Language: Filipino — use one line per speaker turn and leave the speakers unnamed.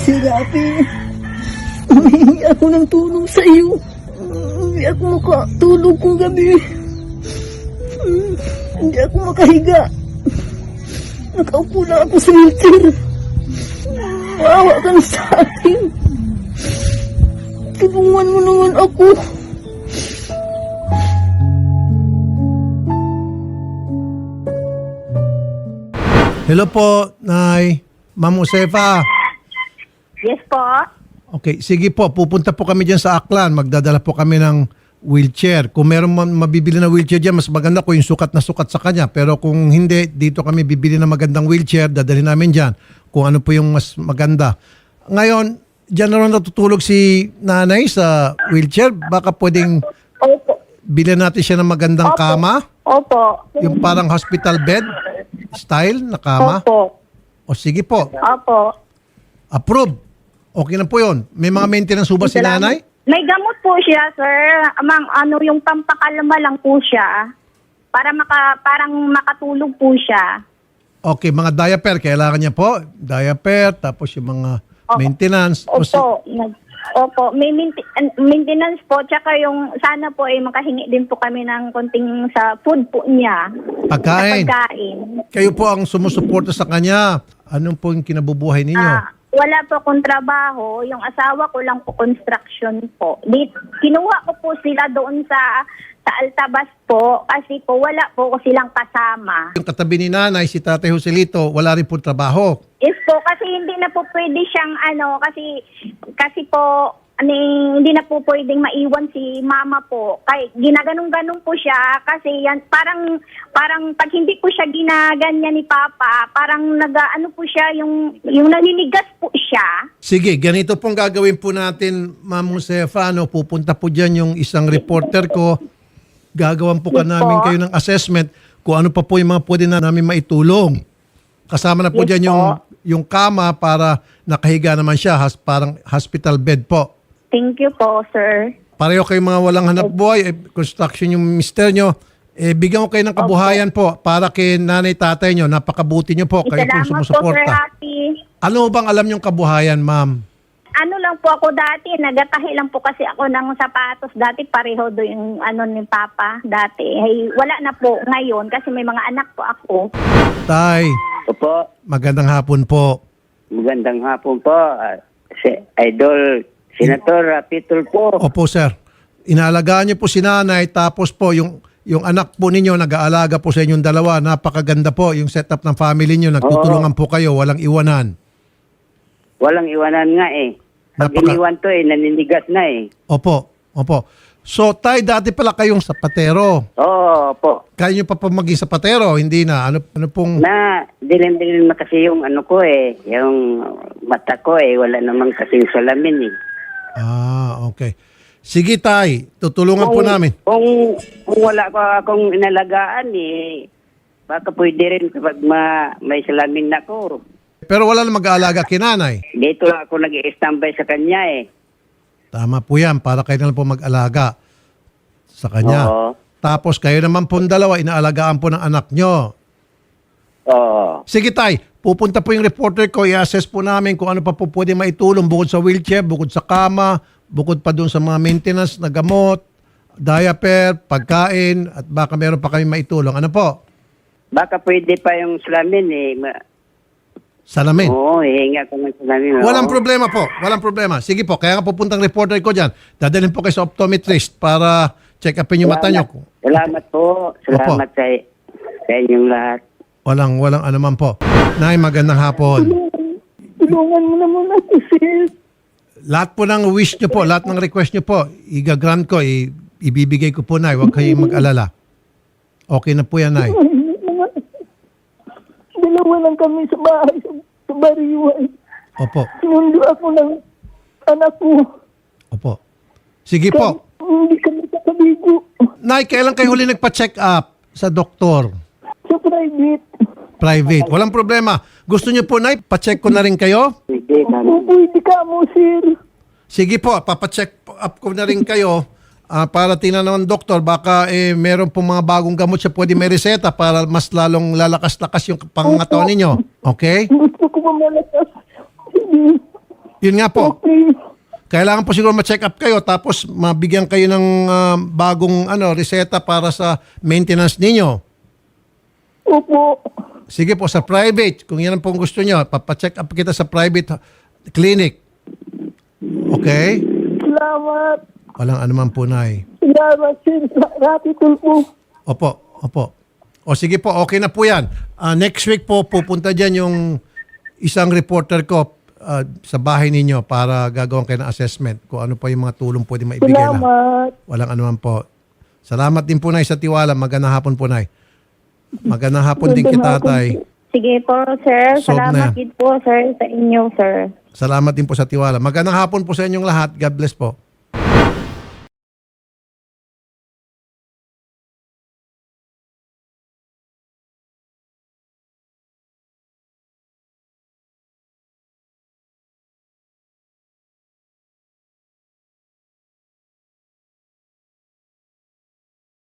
Sir Rafi, humihingi ako ng tulong sa iyo. Hindi ako makatulog kong gabi. Hindi ako makahiga. Nakaupo na ako sa wheelchair. Maawa ka na sa akin. Tulungan mo naman ako.
Hello po, Nay. Ma'am Josefa.
Yes po.
Okay, sige po. Pupunta po kami dyan sa Aklan. Magdadala po kami ng wheelchair. Kung meron mabibili na wheelchair dyan, mas maganda ko yung sukat na sukat sa kanya. Pero kung hindi, dito kami bibili ng magandang wheelchair. Dadalhin namin dyan kung ano po yung mas maganda. Ngayon, dyan na rin natutulog si nanay sa wheelchair. Baka pwedeng
Opo.
bilhin natin siya ng magandang
Opo.
kama.
Opo.
Yung parang hospital bed style na kama.
Opo.
O sige po.
Opo.
Approve. Okay na po yun. May mga maintenance ba si nanay?
May gamot po siya, sir. Yung pampakalma lang po siya. Parang makatulog po siya.
Okay, mga diaper. Kailangan niya po. Diaper, tapos yung mga maintenance.
Opo. May maintenance po. Tsaka yung sana po makahingi din po kami ng konting sa food po niya.
Pagkain.
Sa pagkain.
Kayo po ang sumusuporta sa kanya. Anong po yung kinabubuhay ninyo?
Wala po akong trabaho. Yung asawa ko lang po construction po. Kinuha ko po sila doon sa Altabas po kasi po wala po silang kasama.
Yung katabi ni nanay, si Tatay Joselito, wala rin po trabaho.
Yes po, kasi hindi na po pwede siyang kasi po hindi na po pwedeng maiwan si mama po. Kaya ginaganong-ganong po siya kasi yan parang pag hindi po siya ginaganyan ni Papa, parang po siya yung naninigas po siya.
Sige, ganito pong gagawin po natin, Ma'am Josefa. Pupunta po dyan yung isang reporter ko. Gagawan po ka namin kayo ng assessment kung ano pa po yung mga pwede na namin maitulong. Kasama na po
Yes
dyan
po.
yung kama para nakahiga naman siya, parang hospital bed po.
Thank you po, sir.
Pareho kayong mga walang hanap buhay, construction yung mister nyo, bigyan ko kayo ng kabuhayan po para kay nanay tatay nyo. Napakabuti nyo po. Kayo pong
Salamat po, Sir
sumusuporta.
Happy.
Ano bang alam yung kabuhayan, ma'am?
Ano lang po ako dati, nagatahi lang po kasi ako ng sapatos dati, pareho do yung ni Papa dati. Hey, wala na po ngayon kasi may mga anak po ako.
Tay,
Opo,
magandang hapon po.
magandang hapon po. Si Idol Senator Pitol po.
Opo, sir. Inaalagaan niyo po si nanay, tapos po yung anak po ninyo nag-aalaga po sa inyong dalawa. Napakaganda po yung setup ng family niyo. Nagtutulungan po kayo, walang iwanan.
Walang iwanan nga eh. Pag iniwan to naninigas na eh.
Opo. So, tay, dati pala kayong sapatero.
Oo, opo.
Kaya niyo pa maging sapatero, hindi na. Ano pong...
Na, dilim-dilim na kasi yung ko yung mata ko wala namang kasing salamin eh.
Okay. Sige, tay. Tutulungan po namin.
Kung wala ko akong inalagaan baka pwede rin kapag may salamin na ko.
Pero wala na mag-aalaga kay nanay.
Dito lang ako nag-i-standby sa kanya
Tama po yan, para kayo na lang po mag-alaga sa kanya.
Oo.
Tapos kayo naman po dalawa, inaalagaan po ng anak nyo.
Oo.
Sige tay, pupunta po yung reporter ko, i-assess po namin kung ano pa po pwede maitulong bukod sa wheelchair, bukod sa kama, bukod pa doon sa mga maintenance na gamot, diaper, pagkain, at baka meron pa kami maitulong. Ano po?
Baka pwede pa yung salamin
Salamin.
Oo, hihinga ko ng salamin.
Walang
Oo.
problema po. Walang problema. Sige po, kaya nga pupuntang reporter ko dyan. Dadalhin po kayo sa optometrist para check upin yung mata nyo.
Salamat po. Salamat sa inyong lahat.
Walang anuman po. Nay, magandang hapon.
Tulungan mo naman ako, sir.
Lahat po ng wish nyo po, lahat ng request nyo po, i-grant ko, ibibigay ko po, Nay. Huwag kayong mag-alala. Okay na po yan, Nay.
Dalawa lang kami sa bahay, sa bariwan.
Opo.
Sinundo ako ng anak ko.
Opo. Sige po.
Hindi kami kakabigo.
Nay, kailan kayo huli nagpa-check up sa doktor?
Sa private.
Private. Walang problema. Gusto nyo po, Nay, pa-check ko na rin kayo?
Pwede,
Pwede ka mo, sir.
Sige po, papacheck up ko na rin kayo para tingnan naman doktor, baka meron pong mga bagong gamot siya pwede may reseta para mas lalong lalakas-lakas yung pangangatawan ninyo. Okay?
Gusto ko mamalakas. Hindi.
Yun nga po.
Okay.
Kailangan po siguro ma-check up kayo tapos mabigyan kayo ng bagong reseta para sa maintenance ninyo.
Opo.
Sige po, sa private. Kung yan ang pong gusto nyo, papacheck up kita sa private clinic. Okay?
Salamat.
Walang anuman po, Nay.
Salamat, sir. Gratitude po.
Opo. O sige po, okay na po yan. Next week po, pupunta dyan yung isang reporter ko sa bahay ninyo para gagawin kayo ng assessment kung ano pa yung mga tulong pwede maibigay lang.
Salamat.
Walang anuman po. Salamat din po, Nay, sa tiwala. Magandang hapon po, Nay. Magandang hapon din kita, Tay.
Sige po, sir.
Solve na
Salamat
yan.
din po, sir, sa inyo, sir.
Salamat din po sa tiwala. Magandang hapon po sa inyong lahat. God bless po.